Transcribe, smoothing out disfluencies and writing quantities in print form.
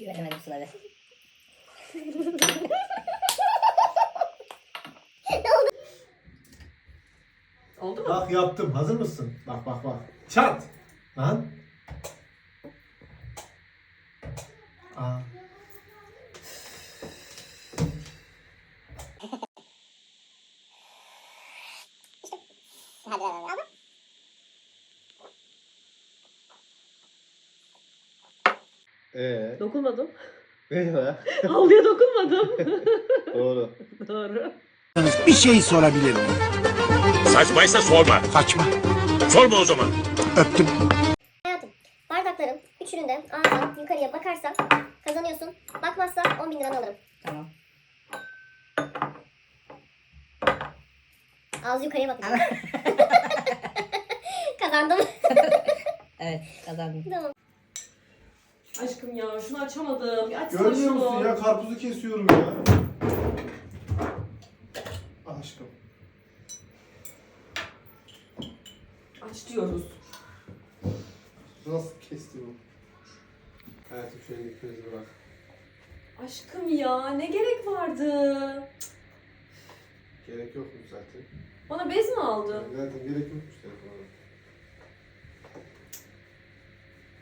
Güvenemedim Sıla'ya. Oldu mu? Bak yaptım. Hazır mısın? Bak bak bak. Çat. Lan. Aa. Dokunmadım. Ne ya? Havluya dokunmadım. Doğru. Doğru. Bir şey sorabilir miyim? Saçmaysa sorma. Saçma. Sorma o zaman. Öptüm. Hayatım, bardakların üçünün de ağzı yukarıya bakarsa kazanıyorsun. Bakmazsa 10.000 liranı alırım. Tamam. Ağzı yukarıya bakacak. Kazandım. Evet kazandım. Tamam. Aşkım ya şunu açamadım. Bir açsana Görmüyor şunu. musun ya? Karpuzu kesiyorum ya. Aşkım. Aç diyoruz. Nasıl kesti bu? Hayatım şöyle ipinizi bırak. Aşkım ya ne gerek vardı? Gerek yokmuş zaten. Bana bez mi aldın? Zaten gerek yokmuş telefona.